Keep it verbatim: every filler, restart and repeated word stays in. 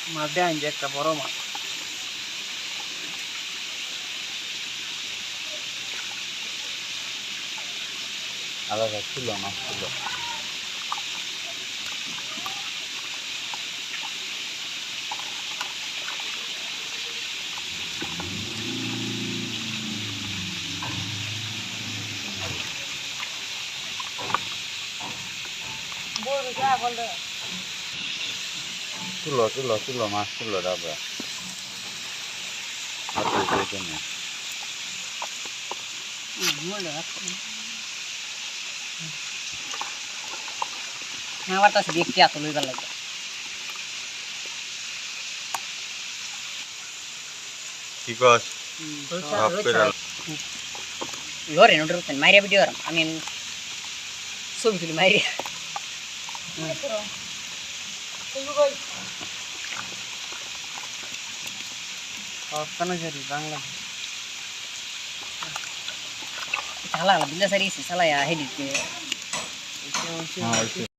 মাছ দেন যে একটা বড় মাছ আলাদা ছিল মাছ ছিল তুলো তুলো তুলো মাছ তুলো ডাবরা আমার কাছে দেখতে এত লইবার লাগে কি কস সব পেরা লরে নোটর মাইরিয়া ভিডিও আমি ছবি তুলি মাইরিয়া বাংলা সালা বিল্লা সারি সালা হেডি